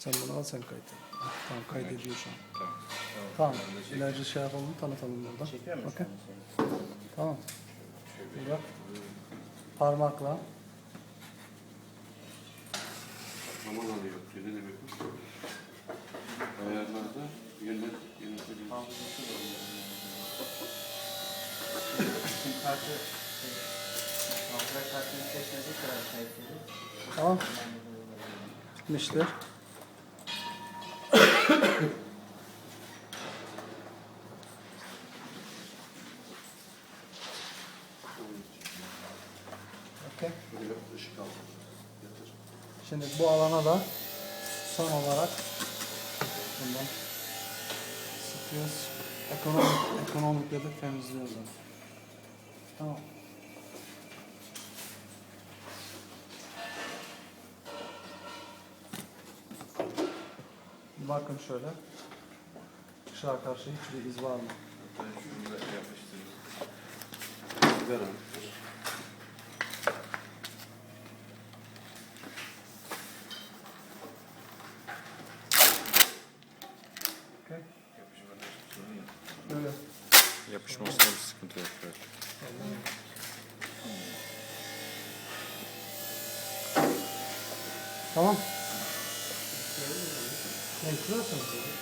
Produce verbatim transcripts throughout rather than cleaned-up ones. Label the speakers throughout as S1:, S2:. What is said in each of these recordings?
S1: Sen bunu al, sen kaydet. Tamam, kaydediyor şu an. Tamam. İlacı şey yapalım, tanıtalım burada.
S2: Çekiyor musun?
S1: Bakın. Tamam. Bak. Parmakla.
S3: Zaman alıyor. Ne demek bu? Ayarlarda yönet, yönetebilir.
S2: Sim kartı, hafıza kartını seçmediği kadar kayıtlı.
S1: Tamam. Bitmiştir. Okay.
S3: Buraya ışık al. Yatır.
S1: Şimdi bu alana da son olarak bundan sıkıyoruz. Ekonomik, ekonomikle de temizliyoruz. onu. Tamam. Bakın şöyle. Işığa karşı hiçbir iz var mı?
S3: Şunu da yapıştırırız. Ver abi.
S1: Okay. Böyle.
S4: Yapışmasında bir sıkıntı yok. Evet.
S1: Tamam. Ne kırıyorsun?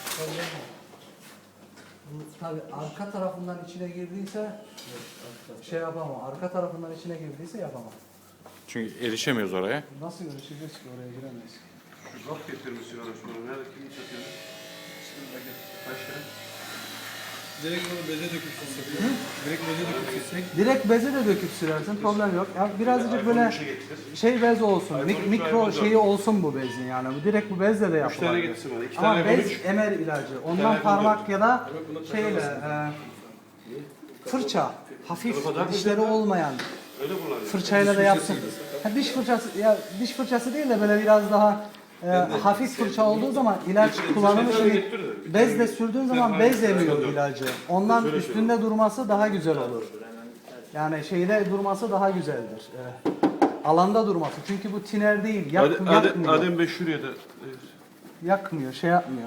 S1: Bu tabi arka tarafından içine girdiyse şey yapamam. Arka tarafından içine girdiyse yapamam.
S4: Çünkü erişemiyoruz oraya.
S1: Nasıl görüşeceğiz ki, oraya giremeyiz.
S3: Zop getirmişsin ona şunu. Nerede kimi satıyor? Kaç lira?
S5: Direkt bunu beze döküp sürsek. Direkt beze döküp sürsek.
S1: Direkt beze de döküp sürersin, problem yok. Ya birazcık böyle
S3: işe getir.
S1: şey bez olsun, mik-
S3: iPhone üç,
S1: mikro
S3: iPhone dört.
S1: şeyi olsun bu bezin yani. Bu direkt bu bezle de
S3: Üç tane
S1: yapılabilir.
S3: getirsin bana. İki
S1: Ama
S3: tane iPhone
S1: bez
S3: üç.
S1: emer ilacı. Ondan
S3: iPhone
S1: parmak ya da
S5: Evet, buna
S1: şeyle
S5: takılmasın.
S1: e, fırça, hafif
S3: Tarafa takma
S1: dişleri
S3: sen de.
S1: olmayan
S3: Öyle kullanıyor.
S1: fırçayla da yapsın. Ha, diş fırçası ya diş fırçası değil de böyle biraz daha e, hafif fırça olduğu zaman ilaç kullanımı şimdi bezle sürdüğün zaman bez emiyor ilacı. Ondan üstünde durması daha güzel olur. Yani şeyde durması daha güzeldir. E, alanda durması. Çünkü bu tiner değil. Yak,
S3: Adem,
S1: yakmıyor.
S3: Adem Bey şuraya da
S1: Yakmıyor, şey yapmıyor.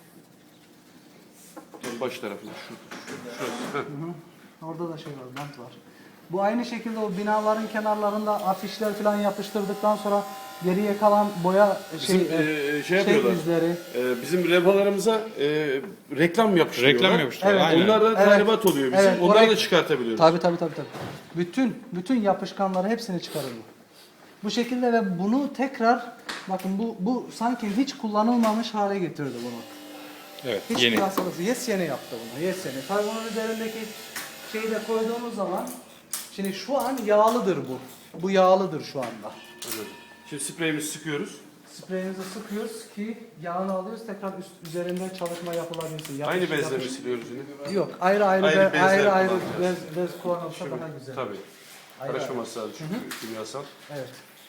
S3: tam baş tarafında şu. Şurası. Heh.
S1: Orada da şey var, bant var. Bu aynı şekilde o binaların kenarlarında afişler falan yapıştırdıktan sonra geriye kalan boya şey,
S3: Bizim, e, şey
S1: şey
S3: yapıyorlar.
S1: izleri.
S3: Ee, bizim levhalarımıza e, reklam yapıştırıyorlar.
S4: Reklam yapıştırıyorlar.
S1: Evet.
S4: Aynen.
S3: Onlar da
S1: Evet.
S3: talimat oluyor bizim.
S1: Evet,
S3: Onları
S1: orayı-
S3: da çıkartabiliyoruz.
S1: Tabii tabii tabii tabii. Bütün bütün yapışkanları hepsini çıkarır bu. Bu şekilde ve bunu tekrar bakın bu bu sanki hiç kullanılmamış hale getirdi bunu.
S4: Evet.
S1: Hiç
S4: Yeni.
S1: piyasalısı yes yeni yaptı bunu. Yes yeni. Tabii bunun üzerindeki şeyi de koyduğumuz zaman şimdi şu an yağlıdır bu. Bu yağlıdır şu anda.
S3: Evet. Şimdi spreyimizi sıkıyoruz.
S1: Spreyimizi sıkıyoruz ki yağını alıyoruz, tekrar üst, üzerinde çalışma yapılabilsin. Yapış-
S3: Aynı bezle mi
S1: yapış-
S3: siliyoruz yine?
S1: Yok, ayrı ayrı
S3: Ayrı
S1: be-
S3: bezler
S1: ayrı ayrı
S3: kullanacağız.
S1: bez, bez kullanılsa daha güzel.
S3: Tabii.
S1: Ayrı
S3: Karışmaması lazım çünkü kimyasal.
S1: Evet.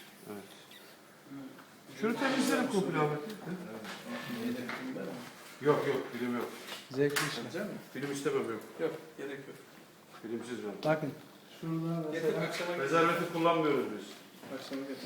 S3: Şunu temizlerim komple abi. Yok yok, film yok.
S1: Zevkli işler.
S3: Film istemem yok.
S5: Yok, gerek yok.
S3: Filmsiz ben.
S1: Bakın. Şurada
S5: Getir
S1: mesela
S5: akşama getir.
S3: Prezervatif kullanmıyoruz biz.
S5: Akşama getir.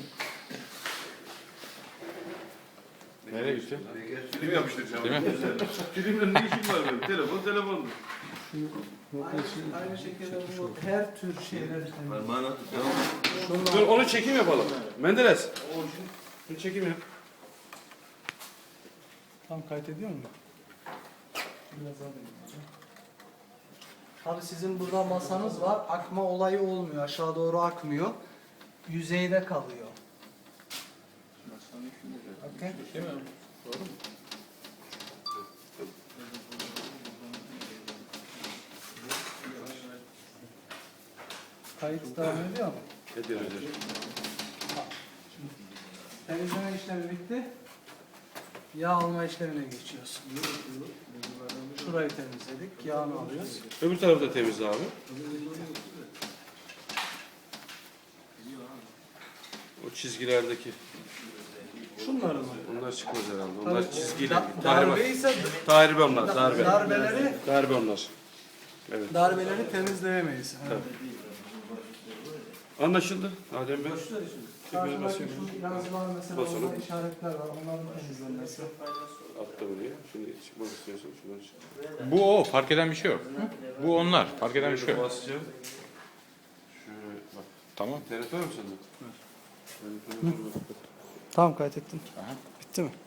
S3: Nereye gideceğim? Film yapıştıracağım.
S4: Değil mi?
S3: Filmle ne işim var benim? Telefon telefondur.
S1: aynı, aynı şekilde bu her tür şeyleri
S3: Dur onu çekim yapalım. Menderes. Şunu çekim yap.
S1: tam kaydediyor mu? Biraz daha deneyim. Tabii sizin burada masanız var. Akma olayı olmuyor. Aşağı doğru akmıyor. Yüzeyde kalıyor. Okay.
S5: Değil mi? Doğru mu?
S1: Kayıt devam ediyor mu?
S3: Ediyor ediyor.
S1: Temizleme işlemi bitti. Yağ alma işlemine geçiyoruz. Şurayı temizledik. Yağını alıyoruz.
S3: Öbür tarafı da temiz abi. O çizgilerdeki.
S1: Şunları mı?
S3: Onlar çıkmaz herhalde. Onlar
S1: Tabii,
S3: çizgiyle.
S1: da-
S3: Tahribat.
S1: darbe ise
S3: Tahribe onlar. Darbe.
S1: darbeleri
S3: Darbe onlar. Evet.
S1: darbeleri temizleyemeyiz.
S3: Anlaşıldı Adem Bey.
S1: Karşıdaki şu yazılar mesela
S3: Basalım.
S1: orada işaretler var. Onların temizlenmesi.
S3: Atla buraya. Şimdi çıkmak istiyorsun. Şuradan çık.
S4: Bu o. Fark eden bir şey yok. Bu onlar. Fark eden bir şey
S3: Şöyle
S4: yok.
S3: basacağım. Şöyle bak.
S4: Tamam.
S3: İnternet var mı sende? Evet.
S1: Tamam kaydettim.
S4: Aha.
S1: Bitti mi?